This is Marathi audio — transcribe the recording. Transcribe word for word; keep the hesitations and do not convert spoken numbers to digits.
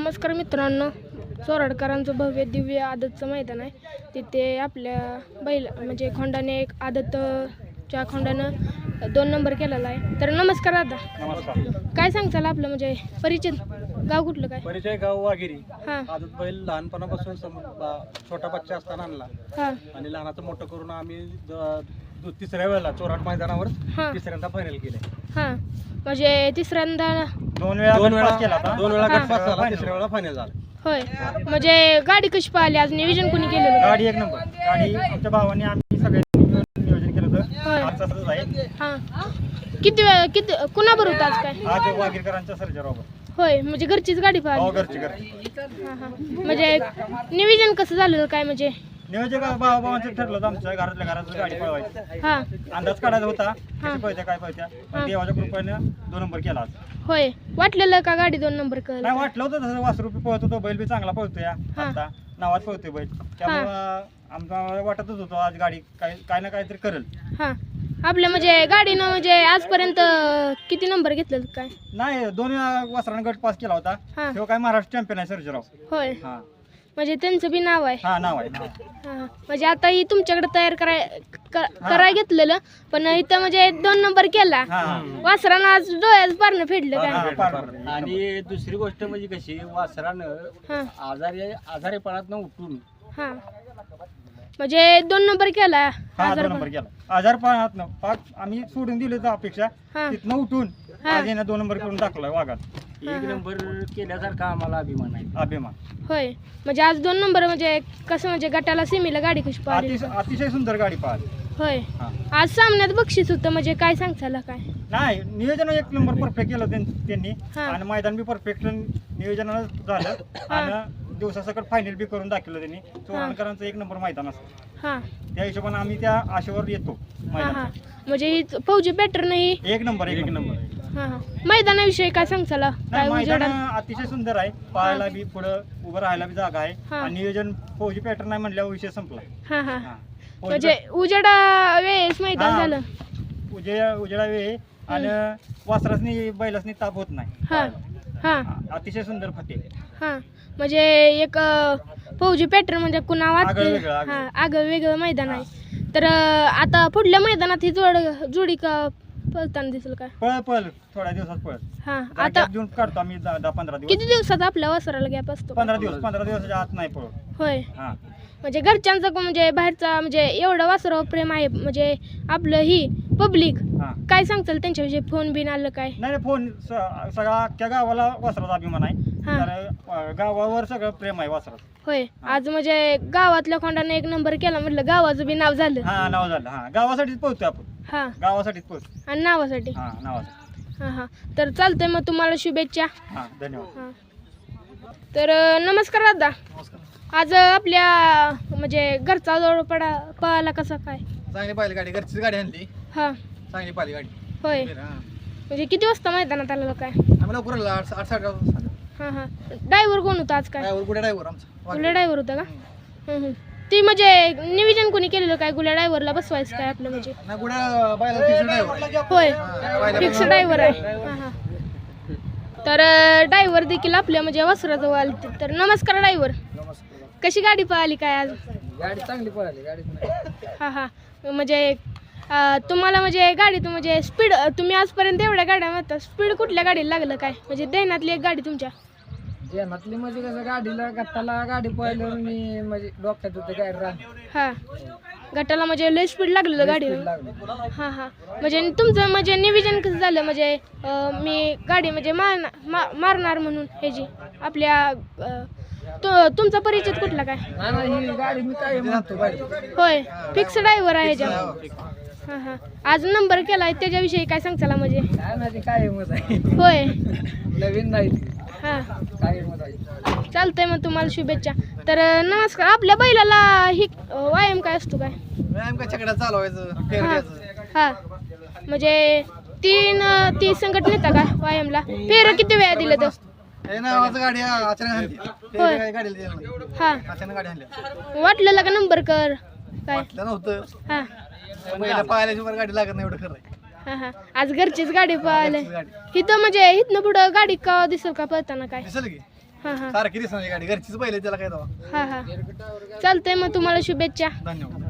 नमस्कार मित्रांनो, चोराडकरांचं भव्य दिव्य आदतचं मैदान आहे. तिथे आपल्या बैल म्हणजे खोंडाने एक आदतच्या खोंडानं दोन नंबर केलेला आहे. तर नमस्कार दादा. नमस्कार. काय सांगताल आपलं म्हणजे परिचय, गाव कुठलं काय? परिचय गाव वाघिरी. हां आदत बैल लहानपणापासून सम- बा- छोटा बच्चा असताना आणला हां आणि लहानाचं मोठं करून आम्ही द- दु- तिसऱ्या वेळेला चोराट मैदानावर हां तिसऱ्यांदा फायनल केले. हां म्हणजे तिसऱ्यांदा दोन वेळा दोन वेळा गट पास केला होता. दोन वेळा हां. गट पास झाला, तिसऱ्या वेळेला फायनल झाला. होय. म्हणजे गाडी कशी पाहिली, आज नियोजन कोणी केलेलं? गाडी एक नंबर. गाडी आमच्या भावाने आम्ही सगळ्यांनी मिळून नियोजन केलं होतं. होय. आज तसंच आहे. हां किती वेळ किती कुणाबरोबर होतं आज काय? आज वागीरकरांच्या सर्जरावर. होय म्हणजे घरचीच गाडी हो पाहिली. घरची घरची. हां हां म्हणजे नियोजन कसं झालेलं काय म्हणजे? नियोजन भावा भावांचं ठरलं होतं आमच्या घरातल्या घरात गाडी पळवायची. हां अंदाज काढायचा होता हां. कशी पळत्या काय पळत्या. हां. पण देवाच्या कृपेनं दोन नंबर केला आज. होय. वाटलेलं का गाडी दोन नंबर कर? नाही वाटलं होतं तसं वासरू बी पळत होतो, बैल बी चांगला पळतोय हां. आता नावात पळतोय बैल. त्यामुळं आमचा वाटतच होतो आज गाडी काय काय ना काहीतरी करेल. हां आपल्या म्हणजे गाडीनं म्हणजे आजपर्यंत किती नंबर घेतलेलं काय? नाही दोन वेळा वासरानं गट पास केला होता. हां तेव्हा काय महाराष्ट्र चॅम्पियन आहे सर्जराव. होय. हा म्हणजे त्यांचं बी नाव आहे. हा नाव आहे नाव आहे. हां हां. म्हणजे आता ही तुमच्याकडे तयार कराय क- कराय घेतलेलं, पण इथं म्हणजे दोन नंबर केला. हा, हा. वासरानं आज डोळ्यात पारणं फेडलं हा, काय? पार- पार. आणि दुसरी गोष्ट म्हणजे कशी वासरानं हां आजारी आजारीपणातनं उठून हां म्हणजे दोन नंबर केला. हा आजार दोन नंबर केला. आजार पाहत पाच आम्ही सोडून दिले तर अपेक्षा हां तिथनं उठून हा. आज यानं दोन नंबर करून दाखवलाय वाघात. हा, एक हा. नंबर केल्यासारखा आम्हाला अभिमान आहे. अभिमान. होय. म्हणजे आज दोन नंबर म्हणजे कसं म्हणजे गटाला सिमीला गाडी कशी पाहिली? अतिशय अतिशय सुंदर गाडी पाहिली. होय. हा. आज सामन्यात बक्षीस होतं म्हणजे काय सांगताला काय? नाही नियोजन एक नंबर परफेक्ट केलं त्यां- त्यांनी हा. आणि मैदान बी परफेक्ट नियोजनानं झालं आणि दिवसासकट फायनल बी करून दाखवलं त्यांनी. चोरणकरांचं एक नंबर मैदान असतं, हां त्या हिशोबाने आम्ही त्या आशेवर येतो हां हां मैदान. म्हणजे ही फौजी पॅटर्न ही. एक नंबर एक नंबर. हां हां मैदानाविषयी काय सांगताला काय नाही मैदान उजेडात? अतिशय सुंदर आहे. पाहायला बी पुढं उभं राहायला बी जागा आहे हा. आणि नियोजन फौजी पॅटर्न आहे म्हणल्यावर विषय संपला. हां हां हा. फौजी म्हणजे उजेडा वेळेस मैदान हा. झालं. पॅ- उजे उजेडा वेळ आणि वासरासनी बैलासनी ताप होत नाही. हां हां हा, अतिशय सुंदर फाटे. हां म्हणजे एक अं, फौजी पॅटर्न म्हणजे कुणा आगळं वाटते. वेगळं, आगळं. हां आगळं वेगळं मैदान आहे. तर अं, आता पुढल्या मैदानात ही जोड जोडी का पळताना दिसेल काय? पळ पळ थोड्या दिवसात पळ. हां जरा आता gap देऊन काढतो आम्ही दहा दहा पंधरा दिवस. किती दिवसात आपल्या वासराला गॅप असतो? पंधरा दिवस पंधरा दिवसाच्या आत नाही पळ. होय. हा म्हणजे घरच्यांचं को- म्हणजे बाहेरचा म्हणजे एवढं वासरावर प्रेम आहे म्हणजे आपलं ही पब्लिक हा काय सांगताल त्यांच्याविषयी? फोन बिन आलं काय? नाही नाही, फोन स- सगळा अख्ख्या गावाला वासराचा अभिमान आहे. हा. तर अं, गावावर सगळं प्रेम आहे वासराचं. होय. आज म्हणजे गावातल्या खोंडाने एक नंबर केला म्हटलं गावाचं बी नाव झालं. हा नाव झालं. हा गावासाठीच पोहोचतोय आपण. हां गावासाठीच पोहोचतो. आणि नावासाठी. हा नावासाठी. हां हां तर चालतंय मग तुम्हाला शुभेच्छा. हा धन्यवाद. हां तर अं, नमस्कार दादा. आज अं, आपल्या म्हणजे घरचा जवळ पडा पळाला कसा काय? चांगली पाहिली गाडी, घरचीच गाडी आणली. हां चांगली पाहिली गाडी. होय. हा. म्हणजे किती वाजता मैदानात आलेलं काय? आम्ही लवकर आलो, आठ आठ साडे आठ. हां हां ड्रायव्हर कोण होता आज काय? ड्रायव्हर कुठे ड्रायव्हर आमचा गुल्या ड्रायव्हर होता का? हं, हं. ती म्हणजे नियोजन कोणी केलेलं काय गुल्या ड्रायव्हरला बसवायचं काय आपलं म्हणजे? नाही कुठे बायला फिक्स ड्रायव्हर. होय हा, फिक्स ड्रायव्हर आहे. हां हां तर ड्रायव्हर देखील आपल्या म्हणजे वस्त्राजवळ आले. तर नमस्कार ड्रायव्हर. कशी गाडी पळाली काय आज? गाडी चांगली पळाली गाडी. हां हां म्हणजे अं, तुम्हाला म्हणजे गाडीत म्हणजे स्पीड तुम्ही आजपर्यंत एवढ्या गाड्या म्हणता, स्पीड कुठल्या गाडीला लागलं काय? म्हणजे दैनातली एक गाडी तुमच्या? जेनातली म्हणजे कसं गाडीला गट्टाला गाडी पळल्यावर मी म्हणजे डोक्यात होते गाडी राहणार. हां गटाला म्हणजे लय स्पीड लागलेलं गाडीला. हां हां म्हणजे तुमचं म्हणजे नियोजन कसं झालं म्हणजे अं, मी गाडी म्हणजे मारणार मा मारणार म्हणून ह्याची आपल्या अं, तो तुमचा परिचय कुठला काय? नाही नाही ही गाडी मी काय म्हणतो गाडी. होय फिक्स ड्रायव्हर आहे ह्याच्या. हां हां आज नंबर केला आहे त्याच्याविषयी काय सांगताला म्हणजे? काय नाही काय मत आहे. होय. नवीन नाही हां काय मत आहे. चालतंय मग तुम्हाला शुभेच्छा. तर अं, नमस्कार. आपल्या बैलाला ही अं, व्यायाम काय असतो काय? व्यायाम काय चकड्यात चालवायचं, फेर हां द्यायचं. हां म्हणजे तीन अं, ती संकट नेता का व्यायामला? फेर किती वेळा दिलं तर? हे नावाचं गाडी अचानक आणली. होय. फेर गाडीला दिलं नाही. हां अचानक गाडी आणली. वाटलेलं का नंबर कर काय? वाटलं नव्हतं. हां पहिल्या पाहिल्याशिवाय गाडी लागत नाही, एवढं खरं आहे. हां हां आज घरचीच गाडी पळाली. घरचीच गाडी. इथं म्हणजे इथनं पुढं गाडी का दिसेल का पळताना काय? दिसेल की हां हां सारखी दिसणार गाडी घरचीच पहिले त्याला काय दावा हां हां चालतंय मग तुम्हाला शुभेच्छा धन्यवाद